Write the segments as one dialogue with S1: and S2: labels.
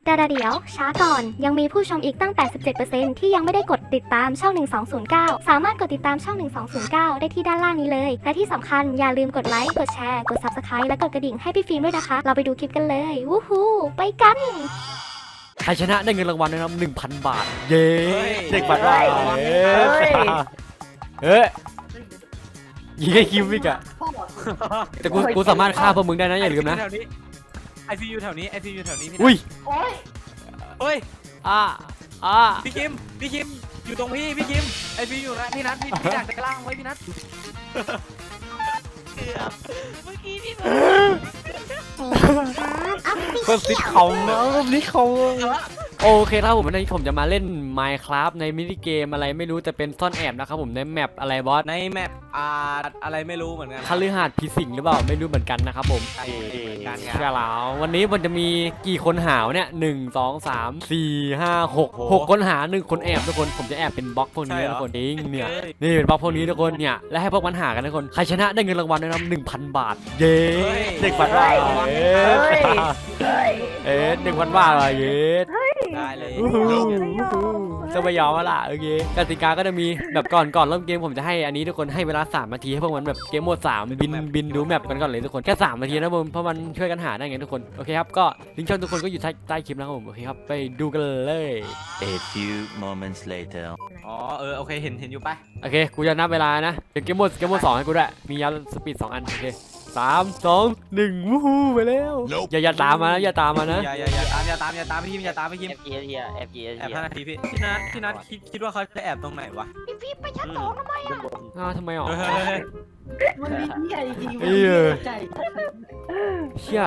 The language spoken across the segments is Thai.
S1: แต่เดี๋ยวช้าก่อนยังมีผู้ชมอีกตั้ง 87% ที่ยังไม่ได้กดติดตามช่อง 1209 สามารถกดติดตามช่อง 1209 ได้ที่ด้านล่างนี้เลย และที่สำคัญอย่าลืมกดไลค์ กดแชร์ กด Subscribe และกดกระดิ่งให้พี่ฟิล์มด้วยนะคะ เราไปดูคลิปกันเลย วู้ฮู้ไปกัน
S2: ใครชนะได้เงินรางวัลนะครับ 1,000 บาท เย้
S3: เฮ้ย
S2: เด็กบัตรว่าเฮ้ยยิงให้คิวอีกอะแต่กูสามารถฆ่าพวกมึงได้นะอย่าลืมนะ
S3: ไอซียูแถวนี้ไอซียูแถวนี้พี่นัท
S2: อุ้ย
S3: เฮ้ย
S2: พี่
S3: พี่คิมอยู่ตรงพี่คิมไอซียูนะพี่นัทพี่อยากจะล่างไว้พี่นัทเกือบเมื่อกี้พี่
S2: ก็ซิดเขาเนาะซิดเขาโอเคครับผมวันนี้ผมจะมาเล่น Minecraft ในมินิเกมอะไรไม่รู้แต่เป็นซ่อนแอบนะครับผมในแมปอะไรบอส
S3: ในแมปอะไรไม่รู้เหมือนกัน
S2: คฤหาสน์ผีสิงหรือเปล่าไม่รู้เหมือนกันนะครับผม
S3: ใช่เหมือนกัน
S2: ใช่แล้ววันนี้มันจะมีกี่คนหาวเนี่ย1 2 3 4 5 6คนหา1คนแอบทุกคนผมจะแอบเป็นบล็อกพวกนี้ทุกคนจริงเนี่ยนี่เป็นบล็อกพวกนี้ทุกคนเนี่ยและให้พวกมันหากันทุกคนใครชนะได้เงินรางวัลนะครับ 1,000 บาทเย้เด็กบัตรว่า1,000 บาทเย้
S3: ได้เลย
S2: จะไปยอมมาล่ะโอเคกติกาก็จะมีแบบก่อนเริ่มเกมผมจะให้อันนี้ทุกคนให้เวลา3 นาทีให้พวกมันแบบเกมโหมด3บินดูแมปกันก่อนเลยทุกคนแค่3 นาทีนะผมเพราะมันช่วยกันหาได้ไงทุกคนโอเคครับก็ลิงก์ช่องทุกคนก็อยู่ใต้คลิปนะครับผมโอเคครับไปดูกันเลย
S4: A few moments later.
S3: อ๋อโอเคเห็นอยู่ปะ
S2: โอเคกูจะนับเวลานะเดี๋ยวเกมโหมด2ให้กูด้วยมียาสปีด2 อันโอเค3 2 1วู้ฮู้ไปแล้วอย่าตามมานะอย่าตามมานะ
S3: อย่าตามพี่คิมอย่าตามพี่คิม
S5: FG
S3: แอบ5 นาทีพี่นัทคิดว่าเขาจะแอบตรงไหนวะ
S2: ทำไมอ๋อ
S3: เฮ้ย
S6: มันมีที่ใหญ่จริง
S2: เอ้ย
S6: ใจ
S2: เชี่ย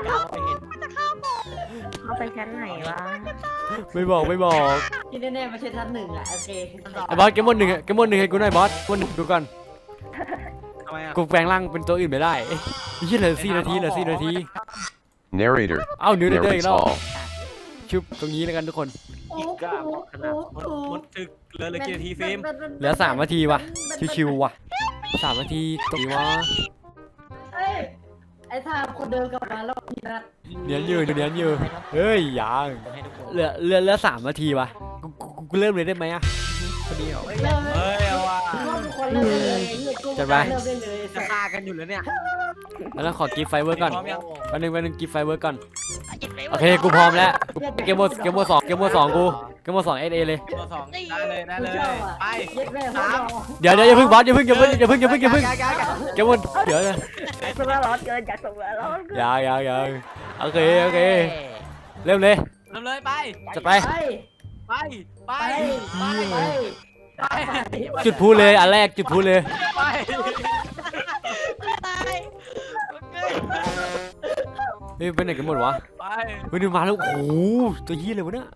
S1: เอาไปชั้นไหนวะ
S2: ไม่บอก
S6: ที่แน่ๆไม่ใช่ท่านหนึ่งอ่ะโอเค
S2: ไอ้บอสเกมโหมด1ให้กูหน่อยบอสดูก่อน
S3: ทำไมอ่ะ
S2: กูแปลงร่างเป็นตัวอื่นไม่ได้เอ้ยเหลือ4 นาที
S7: Narrator.
S2: เอ้านิวเดอร์อีก
S7: Narrates
S2: แล้ว
S7: all.
S2: ชุบตรงนี้แล้วกันทุกคน
S6: โอ้โห
S3: หมดถึกเหลือกี่นาทีฟิล์ม
S2: เหลือ3 นาทีว่ะชิวๆว่ะ3 นาทีตรงนี้วะ
S6: เอ้ยไอ้ท่าคนเดินกลับมาแล้วพี่นัท
S2: เนียนอยู่เฮ้ยยังเหลือ3 นาทีว่ะกูเริ่มเลยได้ไหมอะพอดีเหรอ
S6: เริ่มเลย
S3: เฮ้ยเอาว่ะ
S6: ทุกคนเริ่มได้เลยกู
S2: จัดไป
S6: เริ่มได้เลย
S3: จะฆ่ากันอยู่แล้วเนี่ย
S2: แล้วขอกิฟต์ไฟเวอร์ก่อน
S3: พร้อมยัง
S2: วันหนึ่งกิฟต์ไฟเวอร์ก่อนโอเคกูพร้อมแล้วเกมโหมด2กูเกมโหมด2 SA เลย
S3: ตัวสองได้เลยไป
S6: เย็ดแม่พ่อ
S2: เดี๋ยวอย่าเพิ่งบอสอย่าเพิ่งเกมโหมดเดี๋ยวนะ
S1: สุราร้อนเกินจากสุราร้อน
S2: ยังโอเคเริ่มเลย
S3: เริ่มเลยไป
S2: จะไป
S6: ไป
S3: ไป
S2: จุดพูเลยอันแรกจุดพูเลย
S3: ไป
S2: เฮ้ยไปไหนกันหมดวะ
S3: ไป
S2: เฮ้ยนี่มาแล้วโอ้โหตัวยี่เลยวะเนี่ย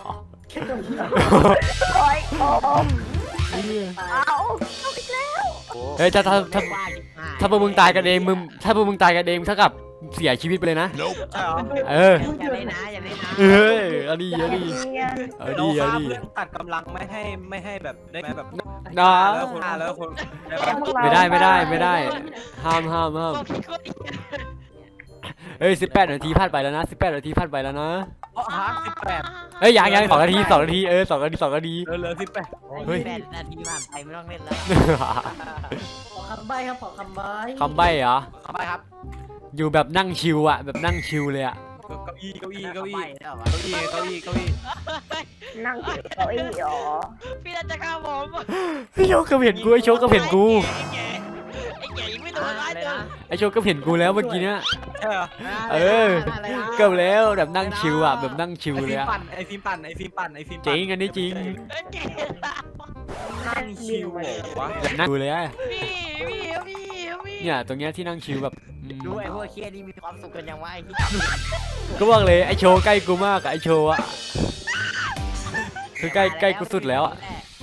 S1: โอ้ยโอ้ เอา
S2: เฮ้ยถ้าพวกมึงตายกันเองถ้าพวกมึงตายกันเองเท่ากับเสียชีวิตไปเลยนะ
S3: ใช่เหรอ
S2: เออ
S5: อย่าเลยนะอย่าเลยนะ
S2: เฮ้ยเอาดี
S3: เราข้ามเรื่องตัดกำลังไม่ให้แบบได้ไหมแบบ
S2: นะ
S3: แล้วคน
S2: ไม่ได้ห้ามเฮ้ย18 นาทีผ่านไปแล้วนะ18 นาทีผ่านไปแล้วนะ
S3: เพราะฮาร์ด18
S2: เฮ้ยยัง2 นาที2 นาที2 นาที2 นาที
S3: เหลือ18
S2: เฮ้ย
S5: 8 นาทีผ่านไปไม่ต้องเล่นแล้ว
S6: ขอคำใบ้ครับขอคำใบ้
S2: คำใบ้เหรอ
S3: เข้าไปครับ
S2: อยู่แบบนั่งชิวอะแบบนั่งชิวเลยอะ
S3: เก้าอี้
S1: นั่งอยู่เก้าอี้อ๋อ
S5: พี่น่าจะฆ่าผม
S2: ไอโชคก็เห็นกูไอโชคก็เห็นกู
S5: ไอ้แก่ยังไม่โดนร้ายเลย
S2: ไอโชคก็เห็นกูแล้วเมื่อกี้เนี้ย
S3: ใช่เหรอ
S2: เออเกือบแล้วแบบนั่งชิวอะแบบนั่งชิวเลยอะ
S3: ไอฟิล์มปั่น
S2: จริงอันนี้จริง
S3: นั่งชิววะ
S2: แบบนั่งชิวเลยอะ
S5: พี่
S2: เนี่ยตรงเนี้ยที่นั่งชิวแบบ
S5: ดูไอ้พวกเคียนี่มีความสุขกันยังไง
S2: ก็บอกเลยไอโชว์ใกล้กูมากอะไอโชว์อะคือใกล้กูสุดแล้วอะ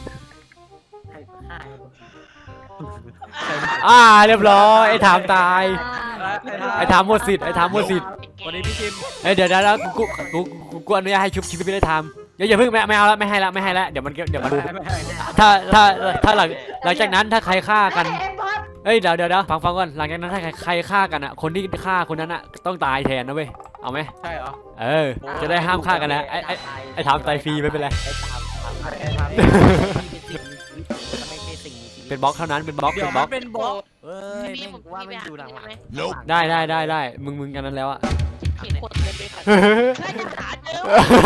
S2: เรียบร้อยไอถามตายไอถามหมดสิทธิ์ไอถามหมดสิทธิ์
S3: วันนี้พี่คิม
S2: เดี๋ยวกูอนุญาตให้ชุบชีวิตไม่ได้ทำอย่าเพิ่งไม่เอาแล้วไม่ให้แล้วเดี๋ยวมันถ้าหลังจากนั้นถ้าใครฆ่ากันเอ้ยเดี๋ยวฟังก่อนหลังจากนั้นถ้าใครฆ่ากันอ่ะคนที่ฆ่าคนนั้นอ่ะต้องตายแทนนะเว้ยเอาไหม
S3: ใช่เหรอ
S2: จะได้ห้ามฆ่ากันนะไอ้ทำตายฟรีไม่เป็นไร
S5: ไอ้ตามไม่ใช่สิ่งมีชีวิต
S2: เป็นบล็อกเท่านั้นเป็นบล็อก
S3: เดี๋
S2: เป็
S3: ยวน
S2: บล็อน ก
S3: มัเป็นบล็อก
S5: เฮ้ยแม่งกูว่าไม่อยู่หลังหลัง
S2: ได้มึงกันนั้นแล้วอ่ะ
S5: เขียนคนเลยไปขัดใช่จะหาเจ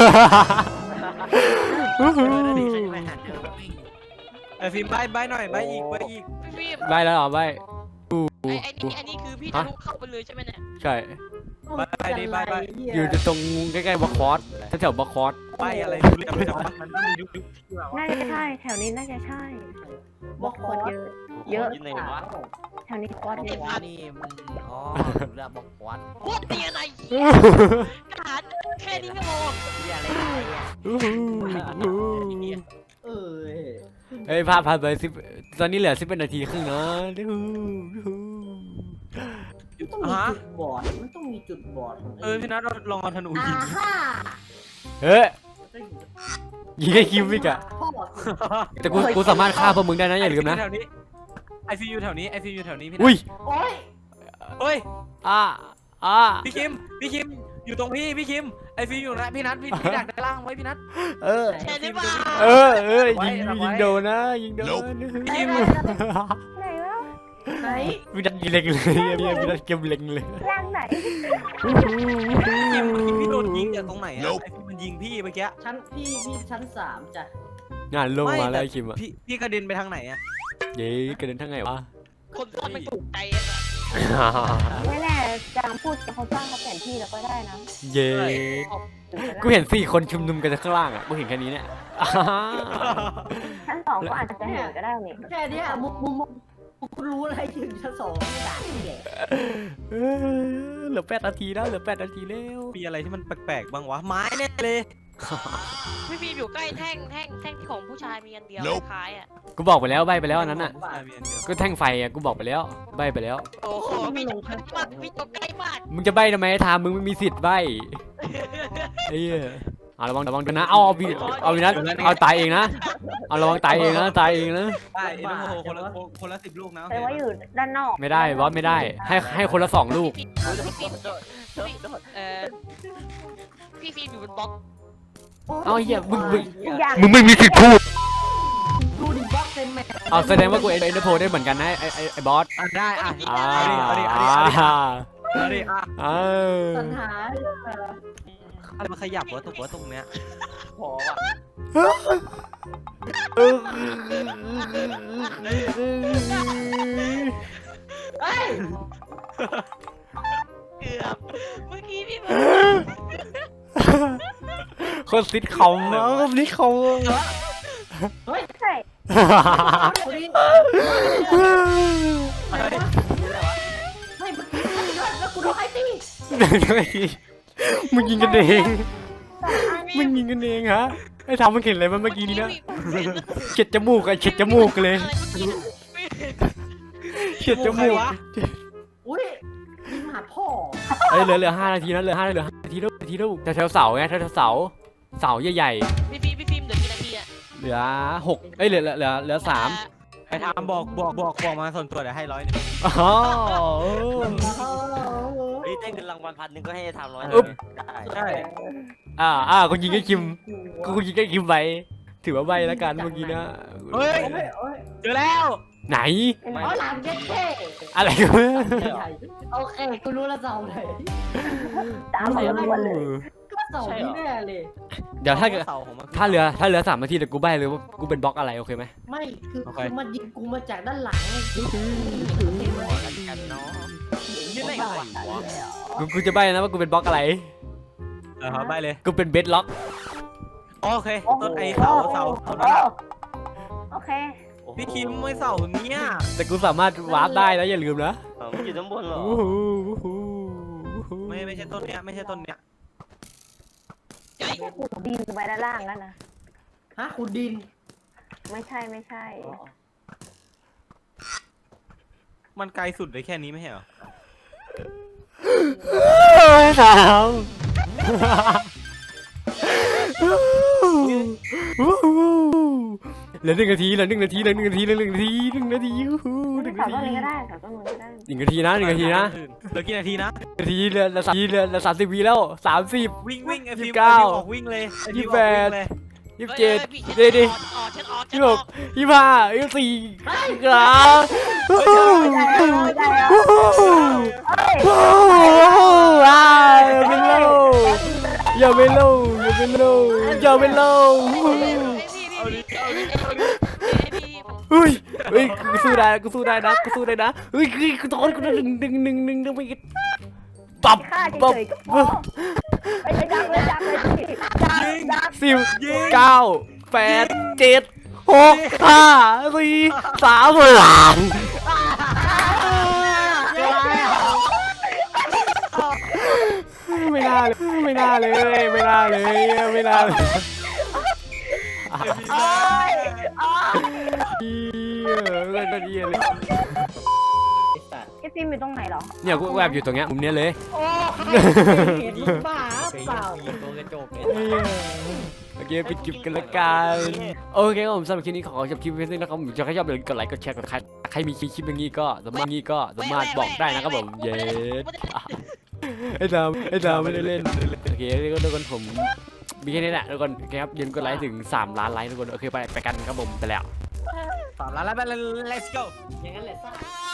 S5: อ
S3: ไอ้ฟิล์มใบหน่อยใบอีก
S2: ใบแล้วเหรอใบ
S5: อันนี้คือพี่ทะลุเข้าไปเลยใช่ไหมเนี่ย
S2: ใช่
S3: ใบดิใบ
S2: อยู่ตรงใกล้ๆบล็อกคอร์สแถวบล็อกคอร์ส
S3: ใบอะไรดูเรียบเลยจัง
S5: มันต้องมียุค
S8: น่าจะใช่แถวนี้น่าจะใช่
S6: บอก
S8: โคตรเยอะ เยอะ
S5: ยังไงวะ
S8: แถวนี้โคตรเยอะ
S5: นี่มันอ๋อดูแลบอกวัดโคตรเตียนไอ้หาแค่นี้ก็โง่เฮียอะไรเนี่ย
S6: เออ
S2: เฮ้ยผ่านไป10ตอนนี้เหลือ11 นาทีครึ่งนะ
S6: มันต้องมีจุดบอดมันต้องมีจุดบอดของ
S3: พี่นัทลองเอาธนูยิง
S6: ฮ่า
S2: เฮ้ยยิงให้คิมอีกอะ
S6: พ่อ
S2: แต่กูสามารถฆ่าพวกมึงได้นะอย่าลืมนะ
S3: แถวนี้ไอซียูแถวนี้พี่
S2: อุ้ย
S6: โอ้ย
S3: เฮ้ย
S2: พี่
S3: พี่คิมอยู่ตรงพี่คิมไอซียูนะพี่นัทพี่ดักด้านล่างไว้พี่นัท
S5: ใช่หรือเปล่า
S2: ยิงโดนนะยิงโดน
S3: พี่คิม
S8: ไหนวะ
S6: ไหน
S2: พี่ดันยิงเล็งเลยพี่ดันเกมเล็งเลย
S8: ร่างไหน
S3: พี่โดนยิงจากตรงไหนอะไอฟิล์มมันยิงพี่เมื่อกี้
S6: ชั้นพี่ชั้น3จ้ะ
S2: งานลงมาแล้วคิมอะ
S3: พี่กระเด็นไปทางไหนอะ
S2: เย้กระเด็นทั้งไงวะ
S5: คนซ่อนไม่ถูกใจอ่ะ
S8: ไม่แน่จางพูดเขาสร้างเขาแผนที่แล้วก็ได้นะ
S2: เย้กูเห็น4 คนชุมนุมกันข้างล่างอะกูเห็นแค่นี้เนี่ย
S8: ชั้น 2ก็อาจจะเห็นก็ได้นี่
S6: แค่เนี้ยมุมกูรู้อะไรถึงชั้น2ไม่ด่าที่แหละ
S2: เหลือ8 นาทีแล้วเหลือ8 นาทีแล้ว
S3: มีอะไรที่มันแปลกๆบ้างวะไม้แน่เลย
S5: พี่ฟิล์มอยู่ใกล้แท่งที่ของผู้ชายมีอันเดียวคล้ายอ่ะ
S2: กูบอกไปแล้วใบไปแล้วอันนั้นอ่ะ
S3: มีอันเดียว
S2: ก็แท่งไฟอ่ะกูบอกไปแล้วใบไปแล้ว
S5: โอ้โหพี่ตรงมากพี่ตรงใกล้มาก
S2: มึงจะใบทำไมทามมึงไม่มีสิทธิ์ใบไอ้เหี้ยเอาระวังกันนะเอาวินัทเอาตายเองนะเอาระวังตายเองนะได้เอ็นโม
S3: คนละ10 ลูกนะ
S8: แต่ว่าอยู่ด้านนอก
S2: ไม่ได้บอสไม่ได้ให้คนละ2 ลูก
S5: พี่ฟิล์มอยู่บนบล็อก
S2: เอาเหี้ยมึง
S8: ทุกอย่าง
S2: ไม่มีสิทธิ์พูด
S6: ดูดิบล็อกเต็มแม็ก
S2: เอาแสดงว่ากูเอ็นโพได้เหมือนกันนะไอ้บอส
S3: ได้อ่ะ
S6: สัญหา
S3: อะไรมาขยับวะตรงเนี้ย
S5: พอว่ะ
S6: เฮ้ย
S5: เกือบเมื่อกี้พี่
S2: คนซิดคอมคนซิดคอม
S6: เฮ้ย
S8: ใช่
S6: คนนี้ไม่แล้วกูโดนไอ้ตี
S2: มึงยิงกันเองมึงยิงกันเองฮะไอ้ทำมันเห็นอะไรมันเมื่อกี้นี้นะเฉียดจมูกเฉียดจมูกเลยเฉียดจมูก
S6: อุ้ยยิงหาพ่อ
S2: เอ้ยเหลือ5 นาทีนะเหลือ5 นาทีแล้วแถวเสาไงแถวเสาใหญ่
S5: พี่ฟิล์มเหลือกี่นาทีอ่ะ
S2: ๆเหลือ6เอ้ยเหลือ3
S3: ไอ้ทามบอกมาส่วนตัวเดี๋ยวให้100
S2: อ๋อ
S5: เฮ้ยได้เงินรางวัล1,000ก็ให้ทำ100
S3: ใช่
S2: คุณยิงให้คิมกูยิงให้คิมไปถือว่าใบแล้วกันเมื่อกี้นะ
S3: เฮ้ยเจอแล้ว
S2: ไหน
S6: อ๋อหลานเจ๊เท่
S2: อะไรกัน
S6: โอเคกูรู้แล้วเสาไหน
S8: ตามไปหมดเลย
S6: ก็เสาที่แน่เลย
S2: เดี๋ยวถ้าเหลือ3 นาทีเดี๋ยวกูใบเลยว่ากูเป็นบล็อกอะไรโอเคไหม
S6: ไม่คือมันยิงกูมาจากด้านหลัง
S5: กันเนาะ
S3: ยืนไหนวะ
S2: กูจะใบนะว่ากูเป็นบล็อกอะไร
S3: ใบเลย
S2: กูเป็นเบสล็อก
S3: โอเคต้นไอ้เสานั่น
S8: โอเค
S3: พี่คิมไม่เสาเนี้ย
S2: แต่กูสามารถวาร์ปได้นะอย่าลืมนะ
S5: มันอยู่ด้านบนเหรอ
S3: ไม่ใช่ต้นเนี้ยไม่ใช่ต้นเนี้ย
S8: ดินไปด้านล่างนั่นนะ
S6: ฮะคุณดิน
S8: ไม่ใช่
S3: มันไกลสุดเลยแค่นี้ไม่ใช่เหรอ
S2: สามเหลือ1 นาทีเหลือ1 นาที
S8: ต้นนี้ก็ได้แถวต้นนู้นก็ได้
S2: 1 นาทีนะ1 นาทีนะ
S3: เหลือกี่นาทีนะ
S2: 1 นาทีเหลือ30 วิแล้ว30
S3: วิ่งไอ้ฟิว
S2: 29
S3: ออกวิ่งเลย
S2: 28
S5: เฮ้ย
S2: 27
S5: พี่
S2: ดีดี
S5: ฉันออก
S2: 26 25 24ครับอย่าไปโลอย่าไปโล เฮ้ยกูสู้ได้นะกูสู้ได้นะเฮ้ยกูโดนกูดึงไปปับ
S8: ฆ่า
S2: ปับ
S8: เฉยๆก็พอไปดักเลยดัก
S2: 10 9 8 7 6 5 4 3 ไม่น่าเลยเล่นได้ดีเลย
S8: ไอ้ฟิล์มอยู่ตรงไหนเหรอ
S2: เนี่ยกูแอบอยู่ตรงเนี้ยมุมเนี้ยเลย
S6: เห็นบ้าเปล่า
S3: ตัวกระจกเลย
S2: โอเคปิดคลิปกันละกันโอเคครับผมสำหรับคลิปนี้ขอจบคลิปไว้ด้วยนะครับผมจะใครชอบอย่าลืมกดไลค์กดแชร์กดใครมีคลิปอย่างนี้ก็สามารถบอกได้นะครับผมเย้ไอ้ดาวไม่ได้เล่นโอเคทุกคนผมมีแค่นี้แหละทุกคนโอเคครับอย่าลืมกดไลค์ถึง3 ล้านไลค์ทุกคนโอเคไปกันครับผมไปแล้ว
S3: 3 ล้านแล้วไป let's go
S6: อย่างนั้นแหละซ่า